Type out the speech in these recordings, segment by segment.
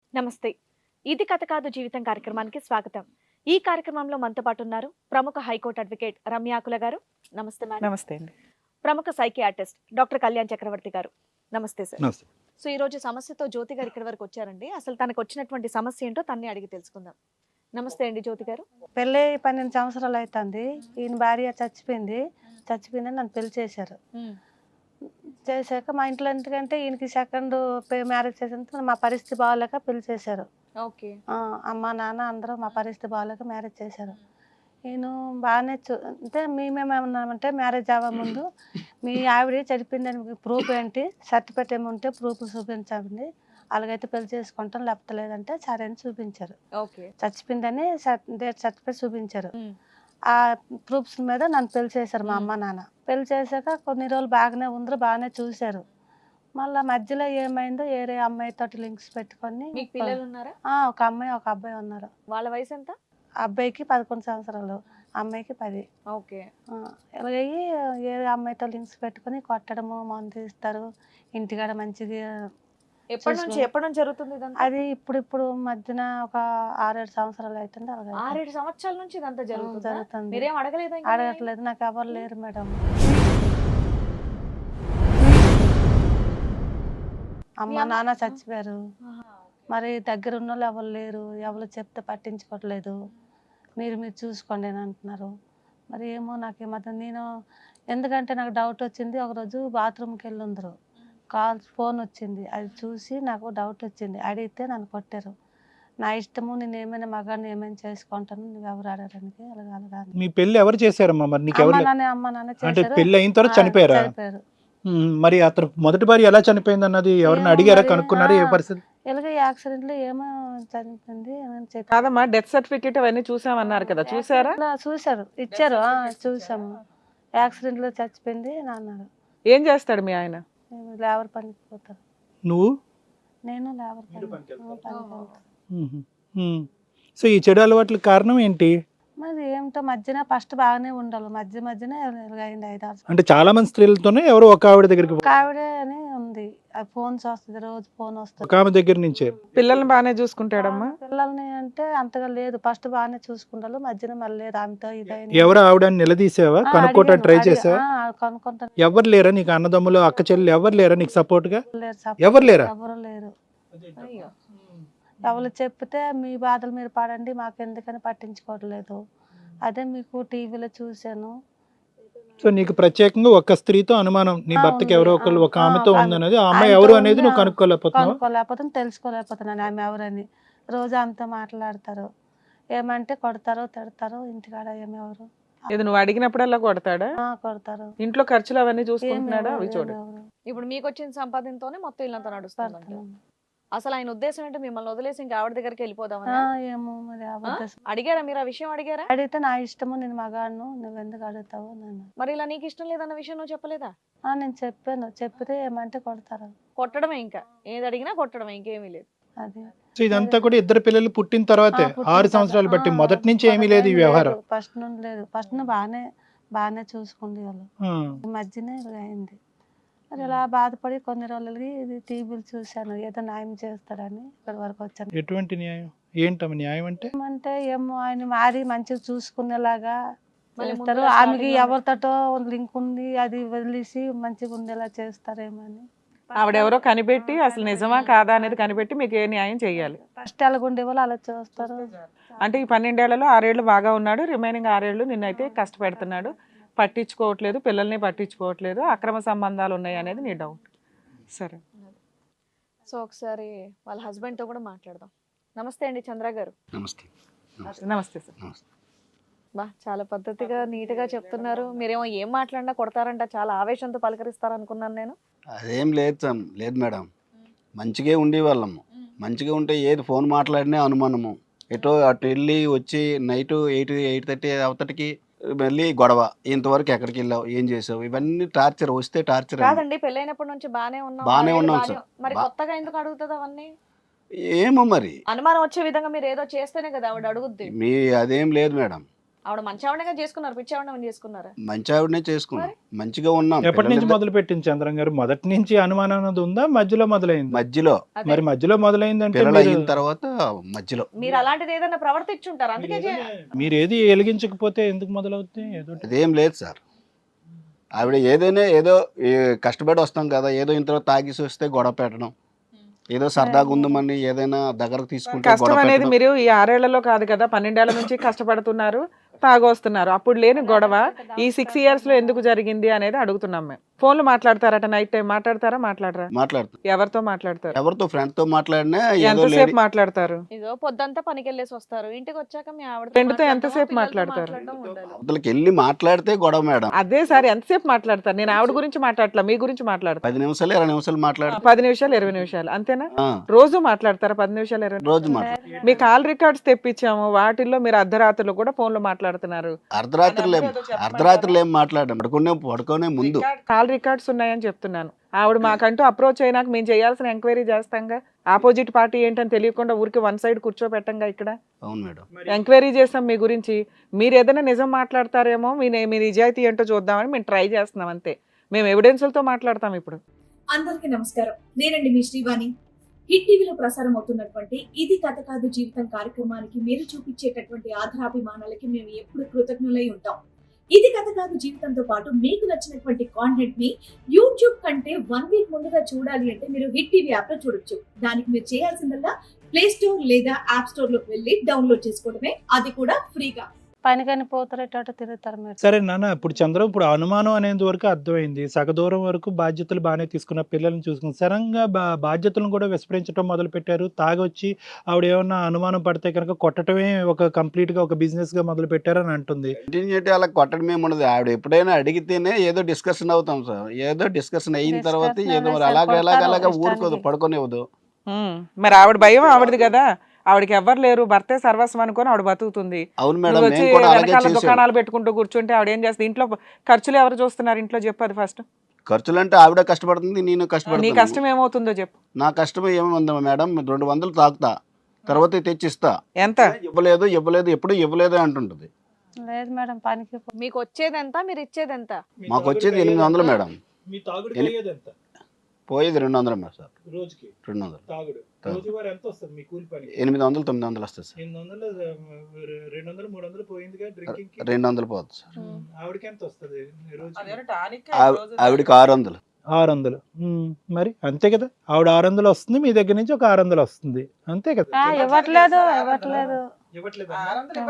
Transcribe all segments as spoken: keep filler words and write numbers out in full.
నమస్తే. ఇది కథ కాదు జీవితం కార్యక్రమానికి స్వాగతం. ఈ కార్యక్రమంలో మనతో పాటు ఉన్నారు ప్రముఖ హైకోర్టు అడ్వకేట్ రమ్యాకుల గారు. నమస్తే మేడం. నమస్తే అండి. ప్రముఖ సైకియాట్రిస్ట్ డాక్టర్ కళ్యాణ్ చక్రవర్తి గారు. నమస్తే సార్. నమస్తే. సో ఈ రోజు సమస్యతో జ్యోతి గారు ఇక్కడి వరకు వచ్చారండి. అసలు తనకు వచ్చినటువంటి సమస్య ఏంటో తన్నే అడిగి తెలుసుకుందాం. నమస్తే అండి జ్యోతి గారు. పెళ్ళి పన్నెండు సంవత్సరాలు అవుతుంది. ఈయన భార్య చచ్చిపోయింది. చచ్చిపోయిందని నన్ను పెళ్లి చేశారు. చేశాక మా ఇంట్లో ఎందుకంటే ఈయనకి సెకండ్ మ్యారేజ్ చేసిన మా పరిస్థితి బాగాలేక పెళ్లి చేశారు. ఓకే. అమ్మ నాన్న అందరూ మా పరిస్థితి బాగాలేక మ్యారేజ్ చేశారు. నేను బాగానే చూ అంటే మేమేమన్నామంటే మ్యారేజ్ అవ్వ ముందు మీ ఆవిడ చనిపోయిందని ప్రూఫ్ ఏంటి, సర్టిఫికేట్ ఏముంటే ప్రూఫ్ చూపించండి, అలాగైతే పెళ్లి చేసుకుంటాం, లేకపోతే లేదంటే సరే అని చూపించారు. ఓకే. చచ్చిపోయిందని డేట్ సర్టిఫికేట్ చూపించారు. ఆ ప్రూఫ్స్ మీద నన్ను పెళ్లి చేశారు మా అమ్మ నాన్న. పెళ్లి చేశాక కొన్ని రోజులు బాగానే ఉందరు, బాగానే చూశారు. మళ్ళీ మధ్యలో ఏమైందో వేరే అమ్మాయితో లింక్స్ పెట్టుకొని మీకు పిల్లలు ఉన్నారా? ఒక అమ్మాయి ఒక అబ్బాయి ఉన్నారు. వాళ్ళ వయసు ఎంత? అబ్బాయికి పదకొండు సంవత్సరాలు, అమ్మాయికి పది. ఓకే. ఇలాగయ్యి వేరే అమ్మాయితో లింక్స్ పెట్టుకొని కొట్టడము, మందు ఇస్తారు, ఇంటికాడ మంచిగా. ఎప్పటి నుంచి ఎప్పటి నుంచి జరుగుతుంది ఇదంతా? అది ఇప్పుడు ఇప్పుడు మధ్యన ఒక ఆరేడు సంవత్సరాలు అవుతుంది. అలాగే ఆరేడు సంవత్సరాల నుంచి ఇదంతా జరుగుతుంది. జరుగుతుంది. మీరేం అడగలేదా? అడగట్లేదు, నాకు ఎవరు లేరు మేడం. అమ్మ నాన్న చచ్చిపోయారు. మరి దగ్గర ఉన్న వాళ్ళు ఎవరు లేరు, ఎవరు చెప్తే పట్టించుకోవట్లేదు. మీరు మీరు చూసుకోండి అని అంటున్నారు. మరి ఏమో నాకు ఈ మధ్య నేను ఎందుకంటే నాకు డౌట్ వచ్చింది. ఒకరోజు బాత్రూమ్కి వెళ్ళి ఉందరు, కాల్ ఫోన్ వచ్చింది, అది చూసి నాకు డౌట్ వచ్చింది. అడిగితే నన్ను కొట్టారు. నా ఇష్టము, నేను ఏమైనా మగాన్ని ఏమైనా చేసుకుంటాను, నువ్వు ఎవరు ఆడడానికి అలాగే అలాగా. మీ పెళ్లి ఎవరు చేశారమ్మా? మరి నీకు అమ్మ ఎవరు? నాన్న అమ్మ నాన్న అంటే చేశారు. పెళ్లి అయిన తర్వాత చనిపోయారా? చనిపోయారు. ఉమ్, మరి అతను మొదటి భార్య ఎలా చనిపోయింది అన్నది ఎవరిని అడిగారా, కనుక్కున్నారా? ఏ పరిస్థితి? ఎలాగ యాక్సిడెంట్ లో ఏమో చనిపోయింది ఏమని చెప్పి కాదమ్మా, డెత్ సర్టిఫికేట్ అవన్నీ చూసామన్నారు కదా, చూసారా? ఇలా చూశారు, ఇచ్చారు. ఆ, చూసాము. యాక్సిడెంట్ లో చచ్చిపోయింది అని అన్నారు. ఏం చేస్తాడు మీ ఆయన? మేము లేబర్ పనికి పోతారు. నువ్వు? నేను లేబర్ పని పనికి వెళ్తాను. ఉహు, ఉమ్. సో ఈ చెడు అలవాట్ల కారణం ఏంటి? మరి ఏమిటో మధ్యన ఫస్ట్ బాగానే ఉండాలి, మధ్య మధ్యన అయింది ఐదారు. అంటే చాలా మంది స్త్రీలతోనే ఎవరో ఒక ఆవిడ దగ్గరికి పో- ఒక ఆవిడే అని ఉంది, ఫోన్స్ వస్తుంది, రోజు ఫోన్ వస్తుంది. ఒక ఆమె దగ్గర నుంచే. పిల్లల్ని బాగానే చూసుకుంటాడమ్మా? పిల్లల్ని అంటే అంతగా లేదు, ఫస్ట్ బాగానే చూసుకుంటారు, మధ్యన మళ్ళీ ఆమెతో ఇదైంది. ఎవరు ఆవిడ అని నిలదీసావా? ఆ, కనుక్కోవటానికి అడిగాను, ట్రై అడిగా- చేసావా? ఆ, కనుక్కుంటాను. ఎవరు లేరా నీకు? అన్నదమ్ములు, అక్క చెల్లెలు ఎవరు లేరా నీకు సపోర్ట్ గా? లేరు, support ఎవరు లేరా? ఎవరు లేరు. అయ్యో. ఎవరు చెప్తే మీ బాధలు మీరు పడండి, మాకు ఎందుకని పట్టించుకోవట్లేదు. అదే మీకు టీవీలో చూశాను. సో నీకు ప్రత్యేకంగా ఒక స్త్రీతో అనుమానం, నీ ఆ, భర్తకి ఉంది. ఎవరో ఒకళ్ళు ఒక ఆ, ఆమెతో ఆ, ఉందనేది, ఆ అమ్మాయి ఆమెతో ఎవరు అనేది ఉంది. నువ్వు కనుక్కోలేకపోతున్నావు. కనుక్కోలేకపోతున్నాను, తెలుసుకోలేకపోతున్నాను ఆమె ఎవరని. రోజు ఆమెతో మాట్లాడతారు, ఏమంటే కొడతారు, తిడతారు, ఇంటికాడ ఏమెవరు. ఇది నువ్వు అడిగినప్పుడల్లా కొడతాడా? ఆ, కొడతారు. ఇంట్లో ఖర్చులు అవన్నీ చూసుకుంటున్నాడా? అవి చూడు. ఏమెవరు. ఇప్పుడు మీకు వచ్చిన సంపాదనతోనే మొత్తం ఇల్లంతా నడుస్తుంది. పడుతున్నాను. అసలు ఆయన ఉద్దేశం ఏంటో మిమ్మల్ని వదిలేసి ఇంకా ఆవిడ దగ్గరికి వెళ్ళిపోదామని. ఆ, ఏమో మరి ఆ ఉద్దేశం. అడిగారా మీరు ఆ విషయం? అడిగారా? అడిగితే నా ఇష్టము, నేను మగాడును, నువ్వు ఎందుకు అడుగుతావు నన్ను. మరి ఇలా నీకు ఇష్టం లేదన్న విషయం నువ్వు చెప్పలేదా? ఆ, నేను చెప్పాను, చెప్పితే ఏమంటే కొడతారు. కొట్టడమే, ఇంకా ఏది అడిగినా కొట్టడమే, ఇంకేమీ లేదు. అది సో ఇదంతా కూడా ఇద్దరు పిల్లలు పుట్టిన తర్వాతే, ఆరు సంవత్సరాలు బట్టి, మొదటి నుంచి ఏమీ లేదు ఈ వ్యవహారం. ఫస్ట్ నుండి లేదు, ఫస్ట్ నుండి బాగానే బాగానే చూసుకుంది వాళ్ళు. ఆ. ఈ మధ్యనే ఇలా అయింది. మరి ఇలా బాధపడి కొన్ని రోజులకి ఇది టీవీలు చూశాను, ఏదో న్యాయం చేస్తాడని ఇక్కడి వరకు వచ్చాను. ఎటువంటి న్యాయం? ఏంటమ్మ న్యాయం అంటే? ఏమంటే ఏమో ఆయన మారి మంచిగా చూసుకునేలాగా మళ్ళీ చేస్తారు. ముందుగా ఆమెకి starting లో- ఎవరితోటో లింక్ ఉంది, అది వదిలేసి మంచిగా ఉండేలా చేస్తారేమో అని. ఆవిడెవరో కనిపెట్టి అసలు నిజమా కాదా అనేది కనిపెట్టి మీకు ఏ న్యాయం చేయాలి. ఫస్ట్ ఎలాగ ఉండే వాళ్ళు అలా చూస్తారు. అంటే ఈ పన్నెండేళ్లలో ఆరేళ్లు బాగా ఉన్నాడు, రిమైనింగ్ ఆరేళ్లు నిన్నైతే కష్టపెడుతున్నాడు, పట్టించుకోవట్లేదు, పిల్లల్ని పట్టించుకోవట్లేదు, అక్రమ సంబంధాలు ఉన్నాయి అనేది నీ డౌట్. సరే, సో ఒకసారి వాళ్ళ హస్బెండ్ తో కూడా మాట్లాడదాం. నమస్తే అండి చంద్ర గారు. నమస్తే. నమస్తే సార్. నమస్తే. బా చాలా పద్ధతిగా నీట్ గా చెప్తున్నారు. మీరేమో ఏం మాట్లాడినా కొడతారంట, చాలా ఆవేశంతో పలకరిస్తారు అనుకున్నాను నేను. అదేం లేదు సార్, లేదు మేడం, మంచిగా ఉండేవాళ్ళము. మంచిగా ఉంటే ఏది ఫోన్ మాట్లాడినా అనుమానము, ఎటో అటు వెళ్ళి వచ్చి నైట్ ఎయిట్ ఎయిట్ థర్టీ అవతటికి మళ్ళీ గొడవ, ఇంతవరకు ఎక్కడికి వెళ్ళావు, ఏం చేసావు, ఇవన్నీ టార్చర్. వస్తే టార్చర్. కాదండి, పెళ్ళైనప్పటి నుంచి బానే ఉన్నాం, బానే ఆరేళ్ళు ఉన్నాం బానే- సార్. మరి బా- కొత్తగా ఎందుకు అడుగుతుంది అవన్నీ? ఏమో మరి అనుమానం వచ్చే విధంగా మీరు ఏదో చేస్తేనే కదా ఆవిడ అడుగుద్ది. మీ అదేం లేదు మేడం. ఆవిడ మంచి ఆవిడగా చేసుకున్నారు, పిచ్చి ఆవిడ చేసుకున్నారా? మంచి ఆవిడనే చేసుకున్నాం, మంచిగా ఉన్నాం. ఎప్పటి నుంచి పిల్లలు మొదలు పెట్టింది చంద్రం గారు? మొదటి నుంచి అనుమానం అనేది ఉందా, మధ్యలో మొదలైంది? మధ్యలో అదే. మరి మధ్యలో మొదలైందంటే పిల్లలు మీరు- అయిన తర్వాత మధ్యలో మీరు అలాంటిది ఏదైనా ప్రవర్తించుంటారు, అందుకే చే- మీరు ఏది వెలిగించకపోతే ఎందుకు మొదలవుతుంది? ఏదో ఒకటి. అదేం లేదు సార్. ఆవిడ ఏదైనా ఏదో ఏ కష్టపడి వస్తాం కదా, ఏదో ఇంతలో తాగేసి వస్తే గొడవ పెట్టడం, ఏదో సరదాగా ఉందమని ఏదైనా దగ్గరకు తీసుకుంటే కష్టం గొడవ అనేది పెట్టడం. మీరు ఈ ఆరేళ్లలో కాదు కదా, పన్నెండేళ్ల నుంచి కష్టపడుతున్నారు, తాగొస్తున్నారు. అప్పుడు లేని గొడవ ఈ సిక్స్ ఇయర్స్ లో ఎందుకు జరిగింది అనేది అడుగుతున్నాం మేము. ఫోన్లు మాట్లాడతారట, నైట్ టైం మాట్లాడతారా? మాట్లాడరా? మాట్లాడుతాం. ఎవరితో మాట్లాడతారు? ఎవరితో ఫ్రెండ్ తో మాట్లాడినా ఏదో ఎంతసేపు లేడీ మాట్లాడతారు? ఇదో పొద్దంతా పనికి వెళ్ళేసి వస్తారు, ఇంటికి వచ్చాక మీ ఆవిడ Friend తో ఎంతసేపు మాట్లాడతారు? అవతలకి వెళ్ళి మాట్లాడితే గొడవ మేడం. అదే సార్, ఎంతసేపు మాట్లాడతారు? నేను ఆవిడ గురించి మాట్లాడట్లా, మీ గురించి మాట్లాడతా. పది నిమిషాలు ఇరవై నిమిషాలు మాట్లాడితే పది నిమిషాలు ఇరవై నిమిషాలు అంతేనా? రోజు మాట్లాడతారా పది నిమిషాలు ఇరవై? రోజు మాట్లాడు. మీ కాల్ రికార్డ్స్ తెప్పించాము, వాటిల్లో మీరు అర్ధరాత్రులు కూడా ఫోన్లు మాట్లాడుతున్నారు. అర్ధరాత్రులు ఏం అర్ధరాత్రులు ఏం మాట్లాడడం, పడుకునే పడుకునే ముందు కాల్ రికార్డ్స్ ఉన్నాయని చెప్తున్నాను. ఆవిడ మాకంటూ అప్రోచ్ అయినాక మేము చేయాల్సిన ఎంక్వైరీ చేస్తాంగా. ఆపోజిట్ పార్టీ ఏంటని తెలియకుండా ఊరికి వన్ సైడ్ కూర్చోబెట్టంగా ఇక్కడ. అవును మేడం. ఎంక్వైరీ చేస్తాం మీ గురించి. మీరు ఏదైనా నిజం మాట్లాడతారేమో, మీ మీ నిజాయితీ ఏంటో చూద్దామని మేము ట్రై చేస్తున్నాం అంతే. మేము ఎవిడెన్స్లతో మాట్లాడతాం ఇప్పుడు. అందరికీ నమస్కారం, నేనండి మీ శ్రీవాణి. హిట్ టీవీలో ప్రసారం అవుతున్నటువంటి ఇది కథ కాదు జీవితం కార్యక్రమానికి మీరు చూపించేటటువంటి ఆధారాభిమానాలకి మేము ఎప్పుడు కృతజ్ఞులై ఉంటాం. ఇది కథ కాదు జీవితంతో పాటు మీకు నచ్చినటువంటి కాంటెంట్ ని యూట్యూబ్ కంటే వన్ వీక్ ముందుగా చూడాలి అంటే మీరు హిట్ టీవీ యాప్ లో చూడొచ్చు. దానికి మీరు చేయాల్సిందల్లా ప్లే స్టోర్ లేదా యాప్ స్టోర్ లోకి వెళ్ళి డౌన్లోడ్ చేసుకోవడమే, అది కూడా ఫ్రీగా. పనికని పోతారేటట్టు తిరుగుతారు మేడం. సరే నాన్న, ఇప్పుడు చంద్రం ఇప్పుడు అనుమానం అనేది వరకు అర్థమైంది, సగ దూరం వరకు బాధ్యతలు బాగానే తీసుకున్న పిల్లల్ని చూసుకుని సడన్గా బా బాధ్యతలను కూడా విస్మరించడం మొదలు పెట్టారు. తాగొచ్చి ఆవిడ ఏమన్నా అనుమానం పడితే కనుక కొట్టడమే ఒక కంప్లీట్ గా ఒక బిజినెస్ గా మొదలు పెట్టారని అంటుంది. కంటిన్యూ చేయడం అలా కొట్టడం ఏముండదు. ఆవిడ ఎప్పుడైనా అడిగితేనే ఏదో డిస్కషన్ అవుతాం సార్. ఏదో డిస్కషన్ అయిన తర్వాత Discussion ఏదో మరి అదే అలాగ సార్, అలాగ కొడతారు అలాగ ఊరుకోదు, ఇష్టానికి. పడుకోనివ్వదు. ఉమ్, మరి ఆవిడ భయం ఆవిడది కదా. ఆవిడకి ఎవ్వరు లేరు, భర్తే సర్వస్వం అనుకొని ఆవిడ బతుకుతుంది. అవును మేడం, నువ్వు వచ్చి మేము కూడా అలాగే వెనకాల చేసాం. దుకాణాలు పెట్టుకుంటూ కూర్చుంటే ఆవిడ ఏం చేస్తుంది? ఇంట్లో ఖర్చులు ఎవరు చూస్తున్నారు ఇంట్లో చెప్పు అది ఫస్ట్. ఖర్చులు అంటే ఆవిడ కష్టపడుతుంది, నేను నీ కష్టపడుతుంది. కష్టం ఏమవుతుందో చెప్పు. నా కష్టం ఏముంది మేడం, రెండు వందలు తాగుతా, తర్వాత తెచ్చిస్తా. ఎంత? ఇవ్వలేదు ఇవ్వలేదు ఎప్పుడు ఇవ్వలేదు అంటుంటది. లేదు మేడం, పనికి పో- మీకు వచ్చేది ఎంత, మీరు ఇచ్చేది ఎంత? మాకు వచ్చేది ఎనిమిది వందలు మేడం, మీ తాగుడు ఎని- పోయేది ఎంత పోయేది రెండు వందలు మేడం సార్. రోజుకి? రెండు వందలు తాగుడు తాగుడు. రోజువారీ ఎంత వస్తుంది మీ కూలి పని? ఎనిమిది వందలు తొమ్మిది వందలు వస్తుంది సార్. ఎనిమిది వందలు, రెండు వందలు మూడు వందలు పోయిందిగా డ్రింకింగ్ కి. రెండు వందలు పోతుంది సార్. ఆవిడకి ఎంత వస్తుంది రోజుకి? ఆవి- ఆవిడకి ఆరు వందలు. ఆరు వందలు. ఉమ్, మరి అంతే కదా, ఆవిడ ఆరు వందలు వస్తుంది, మీ దగ్గర నుంచి ఒక ఆరు వందలు వస్తుంది, అంతే కదా. ఆ, ఇవ్వట్లేదు ఇవ్వట్లేదు ఇవ్వట్లేదా?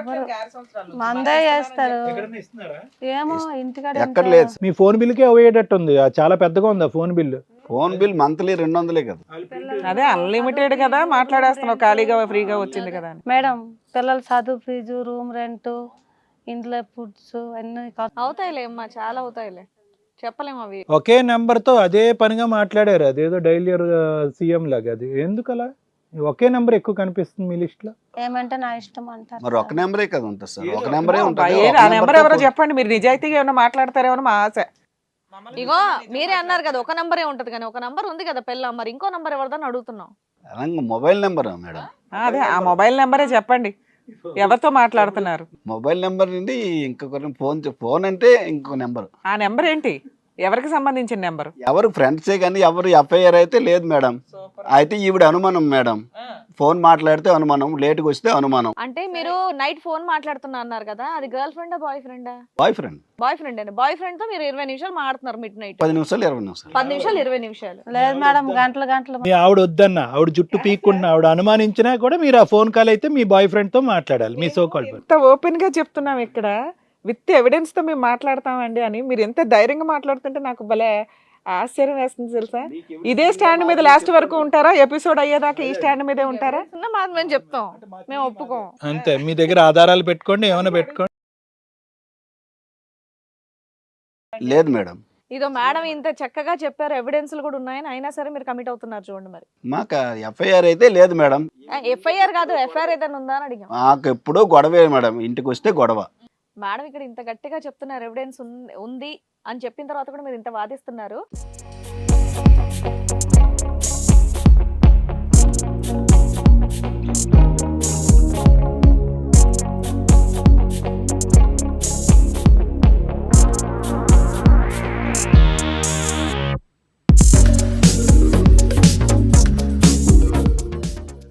మందే చేస్తారు. ఎక్కడన్నా ఇస్తున్నారా? ఏమో ఇంటికాడ ఎక్కడ ఎంత- లేదు. మీ ఫోన్ బిల్కే అయ్యేటట్టు ఉంది, ఆ చాలా పెద్దగా ఉంది ఆ phone bill. Phone bill monthly రెండు వందలే కదా. అదే అన్లిమిటెడ్ కదా, మాట్లాడేస్తున్నావు, ఖాళీగా ఫ్రీగా వచ్చింది కదా అని. మేడం, పిల్లల చదువు ఫీజు, రూమ్ రెంట్, ఇంట్లో ఫుడ్స్ అన్ని ఖర్చు. అవుతాయిలే అమ్మా, చాలా అవుతాయిలే, చెప్పలేము అవి. ఒకే నెంబర్ తో అదే పనిగా మాట్లాడారు, అదేదో డైలీ సీఎం లాగా. అది ఎందుకు అలా ఒకే నెంబర్ ఎక్కువ కనిపిస్తుంది మీ లిస్ట్ లో? ఏమంటే నా ఇష్టం అంటారు. మరి ఒక నెంబరే కదా ఉంటుంది సార్, ఒక నెంబరే ఉంటుంది. ఏ- ఒక ఆ నెంబర్ నెంబర్తో ఎవరో పో- చెప్పండి, మీరు నిజాయితీగా ఏమైనా మాట్లాడతారేమో మా ఆశ. ఇగో మీరే అన్నారు కదా ఒక నంబరే ఉంటది, కానీ ఒక నంబర్ ఉంది కదా పిల్ల, మరి ఇంకో నంబర్ ఎవరిదని అడుగుతున్నాం. అలాగే మొబైల్ నెంబర్ మేడం, ఆ, అదే ఆ మొబైల్ నెంబరే చెప్పండి, ఎవరితో మాట్లాడుతున్నారు? మొబైల్ నెంబర్ నుండి ఇంకొక ఫోన్ ఫోన్ అంటే ఇంకొక నెంబర్. ఆ నెంబర్ ఏంటి? ఎవరికి సంబంధించిన నెంబర్? ఎవరు ఫ్రెండ్సే కానీ ఎవరు ఎఫ్ఐఆర్ అయితే లేదు మేడం. అయితే ఈవిడ అనుమానం మేడం, ఫోన్ మాట్లాడితే అనుమానం, లేట్గా వస్తే అనుమానం. అంటే మీరు నైట్ ఫోన్ మాట్లాడుతున్నా అన్నారు కదా, అది గర్ల్ ఫ్రెండా బాయ్ ఫ్రెండా? Boy friend. బాయ్ ఫ్రెండ్ అండి. బాయ్ ఫ్రెండ్ తో మీరు ఇరవై నిమిషాలు మాట్లాడుతున్నారు మిడ్ నైట్. పది నిమిషాలు ఇరవై నిమిషాలు పది నిమిషాలు ఇరవై నిమిషాలు లేదు మేడం, గంటలు గంటలు. మీ ఆవిడ వద్దన్న, ఆవిడ జుట్టు పీక్కుంటున్నా, ఆవిడ అనుమానించినా కూడా మీరు ఆ ఫోన్ కాల్ అయితే మీ బాయ్ ఫ్రెండ్ తో మాట్లాడాలి, మీ సో కాల్. ఎంత ఓపెన్ గా చెప్తున్నాం ఇక్కడ, విత్ ఎవిడెన్స్ తో మేము మాట్లాడతామండి అని మీరు ఎంత ధైర్యంగా మాట్లాడుతుంటే నాకు భలే ఆశ్చర్యం వేస్తుంది తెలుసా. ఇదే స్టాండ్ మీద లాస్ట్ వరకు ఉంటారా? ఎపిసోడ్ అయ్యేదాకా ఈ స్టాండ్ మీదే ఉంటారా? చిన్న మాట మేము చెప్తాం, మేము ఒప్పుకోం. అంతే, మీ దగ్గర ఆధారాలు పెట్టుకోండి, ఏమైనా పెట్టుకోండి. లేదు మేడం. ఇదో మేడం ఇంత చక్కగా చెప్పారు, ఎవిడెన్స్లు కూడా ఉన్నాయని, అయినా సరే మీరు కమిట్ అవుతున్నారు చూడండి. మరి మాకు ఎఫ్ఐఆర్ అయితే లేదు మేడం. ఎఫ్ఐఆర్ కాదు, ఎఫ్ఐఆర్ ఏదైనా ఉందా అని అడిగాం. మాకు ఎప్పుడూ గొడవే మేడం, ఇంటికి వస్తే గొడవ. మేడం ఇక్కడ ఇంత గట్టిగా చెప్తున్నారు, ఎవిడెన్స్ ఉంది అని చెప్పిన తర్వాత కూడా మీరు ఇంత వాదిస్తున్నారు.